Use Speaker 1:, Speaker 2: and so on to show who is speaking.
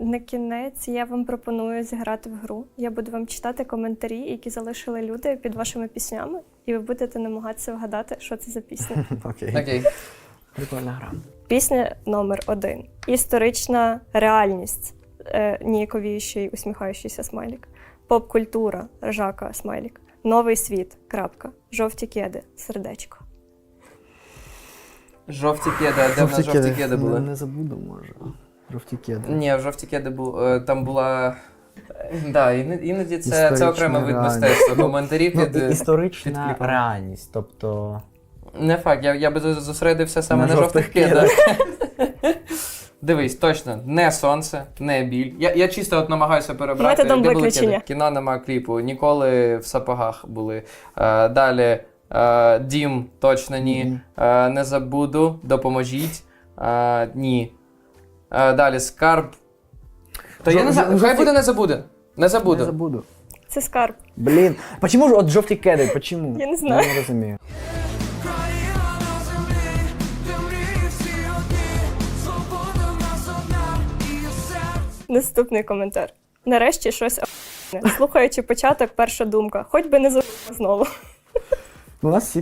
Speaker 1: На кінець я вам пропоную зіграти в гру. Я буду вам читати коментарі, які залишили люди під вашими піснями, і ви будете намагатися вгадати, що це за пісня.
Speaker 2: Окей.
Speaker 3: Прикольна гра.
Speaker 1: Пісня номер 1. Історична реальність. Ніяковіючий, усміхаючийся смайлік. Поп-культура. Ржака, смайлік. Новий світ. Крапка. Жовті кеди. Сердечко.
Speaker 2: Жовті кеди, а де в нас жовті кеди були?
Speaker 3: Не забуду, може. Жовті кеди.
Speaker 2: Ні, жовті кеди були, там була... Да, іноді це
Speaker 3: Історична
Speaker 2: окремий вид
Speaker 3: реальність.
Speaker 2: мистецтва. Коментарі під...
Speaker 3: Історична
Speaker 2: кліпом.
Speaker 3: реальність, тобто...
Speaker 2: Не факт, я би зосередився саме на жовтих кедах. Дивись, точно, не сонце, не біль. Я чисто от намагаюся перебрати.
Speaker 1: Методом
Speaker 2: де були
Speaker 1: виключення.
Speaker 2: кеди? Кіно нема кліпу, ніколи в сапогах були. Далі, дім, точно ні. Не забуду, допоможіть. Ні. Далі, скарб. Та я не знаю, хай буде не забуде. Не
Speaker 3: Не
Speaker 2: забуду.
Speaker 3: забуду.
Speaker 1: Це скарб.
Speaker 3: Блін, почему ж от жовті кеди, почему?
Speaker 1: Я не знаю.
Speaker 3: Я не розумію.
Speaker 1: Наступний коментар. Нарешті щось охуєнне. Слухаючи початок, перша думка. Хоч би не знову.
Speaker 3: У нас всі